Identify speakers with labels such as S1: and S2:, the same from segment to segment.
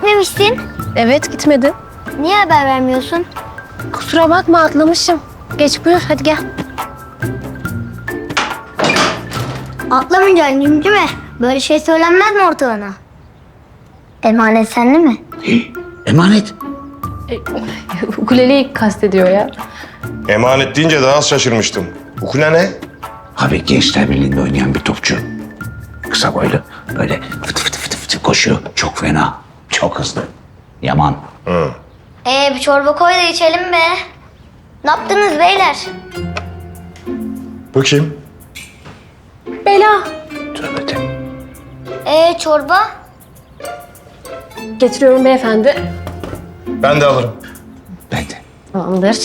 S1: gitmemişsin.
S2: Evet, gitmedi.
S1: Niye haber vermiyorsun?
S2: Kusura bakma, atlamışım. Geç buyur, hadi gel.
S1: Atlamayacaksın cimcime. Böyle şey söylenmez mi ortalığına? Emanet sende mi?
S3: Emanet.
S2: Ukuleleyi kastediyor ya.
S4: Emanet deyince daha az şaşırmıştım. Ukule ne?
S3: Abi Gençler Birliği'nde oynayan bir topçu. Kısa boylu. Böyle fıtı fıtı fıtı fıtı koşuyor. Çok fena. Çok hızlı. Yaman.
S1: Bir çorba koy da içelim be. Ne yaptınız beyler?
S4: Bu kim?
S2: Bela.
S3: Tövbe de.
S1: Çorba?
S2: Getiriyorum beyefendi.
S4: Ben de alırım.
S3: Ben de.
S2: Tamamdır.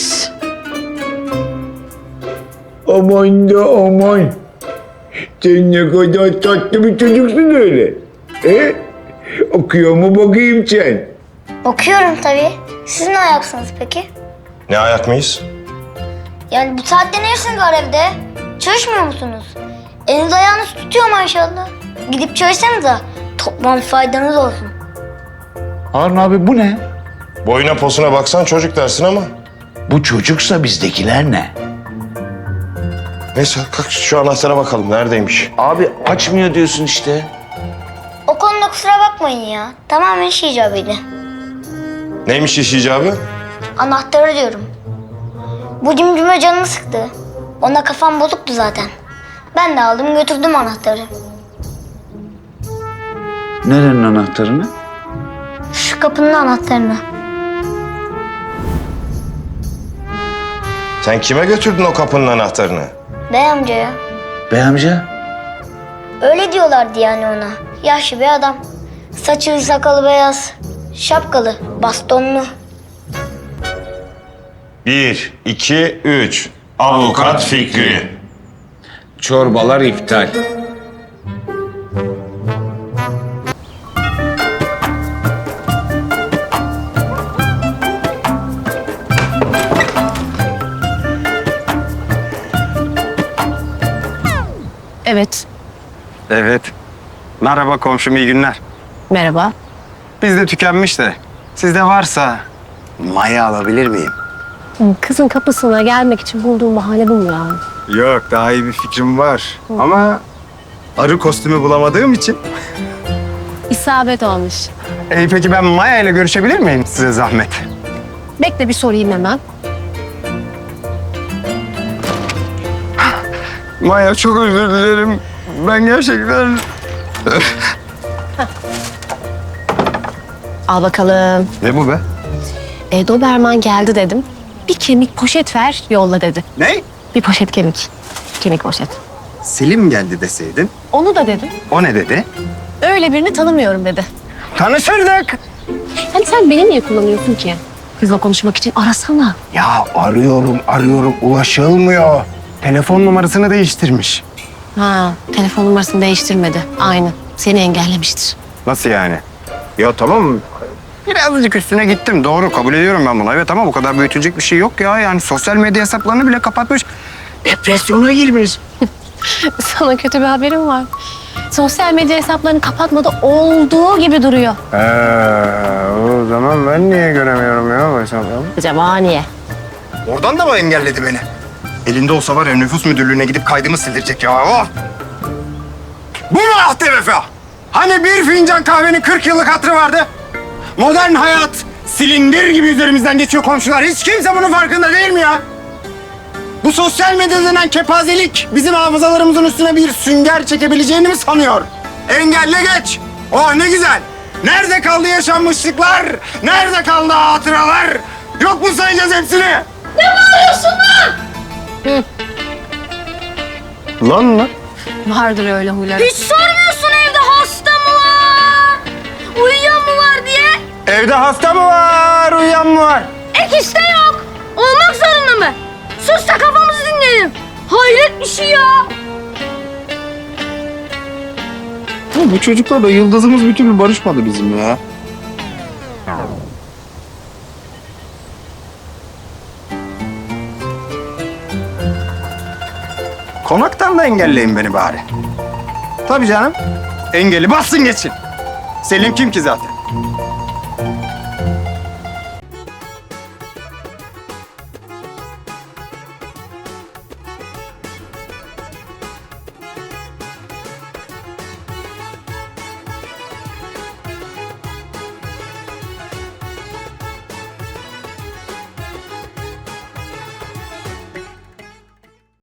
S5: Aman da aman. Sen ne kadar tatlı bir çocuksun öyle. Okuyor mu bakayım sen?
S1: Okuyorum tabii. Siz ne ayaksınız peki?
S4: Ne ayak mıyız?
S1: Yani bu saatte ne işiniz var evde? Çalışmıyor musunuz? Eliniz ayağınız tutuyor maşallah. Gidip çalışsanıza. Toplam faydanız olsun.
S3: Harun abi bu ne?
S4: Boyuna posuna baksan çocuk dersin ama.
S3: Bu çocuksa bizdekiler ne?
S4: Neyse kalk şu anahtara bakalım neredeymiş.
S3: Abi açmıyor diyorsun işte.
S1: O konuda kusura bakmayın ya. Tamamen iş icabıydı.
S4: Neymiş iş icabı?
S1: Anahtarı diyorum. Bu cimcime canımı sıktı. Ona kafam bozuktu zaten. Ben de aldım götürdüm anahtarı.
S3: Nerenin anahtarını?
S1: Şu kapının anahtarını.
S4: Sen kime götürdün o kapının anahtarını?
S1: Bey amcaya.
S3: Bey amca.
S1: Öyle diyorlardı yani ona. Yaşlı bir adam. Saçı sakalı beyaz. Şapkalı, bastonlu.
S4: 1, 2, 3. Avukat Fikri.
S5: Çorbalar iptal.
S2: Evet,
S6: Evet. Merhaba komşum, iyi günler.
S2: merhaba.
S6: Bizde tükenmiş de sizde varsa maya alabilir miyim?
S2: Kızın kapısına gelmek için bulduğum bahane bu mu ya?
S6: Yok, daha iyi bir fikrim var. Ama arı kostümü bulamadığım için.
S2: İsabet olmuş.
S6: Peki ben Maya ile görüşebilir miyim size zahmet?
S2: Bekle bir sorayım hemen.
S6: Maya çok özür dilerim. Ben gerçekten...
S2: Al bakalım.
S6: Ne bu be?
S2: Doberman geldi dedim. Bir kemik poşet ver, yolla dedi.
S6: Ne?
S2: Bir poşet kemik. Kemik poşet.
S6: Selim geldi deseydin.
S2: Onu da dedim.
S6: O ne dedi?
S2: Öyle birini tanımıyorum dedi.
S6: Tanışırdık.
S2: Hani sen beni niye kullanıyorsun ki? Kızla konuşmak için arasana.
S6: Ya arıyorum ulaşılmıyor. Telefon numarasını değiştirmiş.
S2: Ha, telefon numarasını değiştirmedi. Aynı. Seni engellemiştir.
S6: Nasıl yani? Ya tamam. Birazcık üstüne gittim. Doğru kabul ediyorum ben bunu. Evet ama bu kadar büyütülecek bir şey yok ya. Yani sosyal medya hesaplarını bile kapatmış. Depresyona girmiş.
S2: Sana kötü bir haberim var. Sosyal medya hesaplarını kapatmadı, olduğu gibi duruyor.
S6: O zaman ben niye göremiyorum ya bu hesapları?
S2: Acaba niye?
S6: Oradan da mı engelledi beni? Elinde olsa var ya nüfus müdürlüğüne gidip kaydımı sildirecek ya. Oh! Bu mu ahde vefa? Hani bir fincan kahvenin 40 yıllık hatırı vardı? Modern hayat silindir gibi üzerimizden geçiyor komşular. Hiç kimse bunun farkında değil mi ya? Bu sosyal medya denen kepazelik bizim hafızalarımızın üstüne bir sünger çekebileceğini mi sanıyor? Engelle geç. Oh ne güzel. Nerede kaldı yaşanmışlıklar? Nerede kaldı hatıralar? Yok mu sayacağız hepsini? Ne bağırıyorsun lan? Lan?
S2: Vardır öyle huyları.
S1: Hiç sormuyorsun evde hasta mı var? Uyuyan mı var diye.
S6: Evde hasta mı var, uyuyan mı var?
S1: Ek işte yok. Olmak zorunda mı? Sus da kafamızı dinleyelim. Hayret bir şey ya.
S5: Bu çocuklarla yıldızımız bir türlü barışmadı bizim ya.
S6: Konaktan da engelleyin beni bari. Tabii canım. Engeli bassın geçin. Selim kim ki zaten?